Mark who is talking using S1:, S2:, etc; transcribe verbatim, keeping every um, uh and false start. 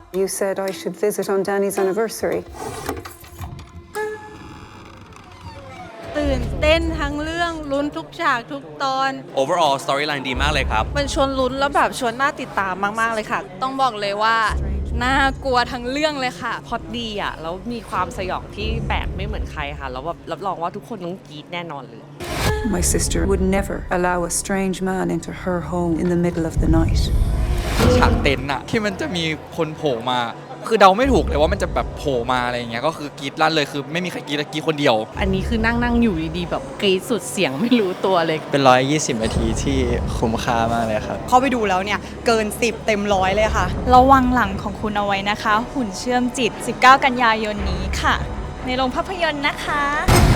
S1: You said I should visit on Danny's anniversary.
S2: ตื่นเต้นทั้งเรื่องลุ้นทุกฉากทุกตอน
S3: overall storyline ดีมากเลยครับ
S4: มันชวนลุ้นแล้วแบบชวนน่าติดตามมากๆเลยค่ะ
S5: ต้องบอกเลยว่าน่ากลัวทั้งเรื่องเลยค่ะ
S4: พอดดีอ่ะแล้วมีความสยองที่แปลกไม่เหมือนใครค่ะแล้วแบบรับรองว่าทุกคนต้องกรี๊ดแน่นอนเลย
S1: My sister would never allow a strange man into her home in the middle of the night.
S6: ฉากเต็นท์อะที่มันจะมีคนโผล่มาคือเดาไม่ถูกเลยว่ามันจะแบบโผล่มาอะไรอย่างเงี้ยก็คือกรี๊ดลั่นเลยคือไม่มีใครกรี๊ดกรี๊ดคนเดียว
S4: อันนี้คือนั่งนั่งอยู่ดีๆแบบกรี๊ดสุดเสียงไม่รู้ตัวเลย
S7: เป็นร้อยยี่สิบนาทีที่คุ้มค่ามากเลยครับ
S8: เข้าไปดูแล้วเนี่ยเกินสิบเต็มร้อยเลยค่ะ
S9: ระวังหลังของคุณเอาไว้นะคะหุ่นเชื่อมจิตสิบเก้ากันยายนนี้ค่ะในโรงภาพยนตร์นะคะ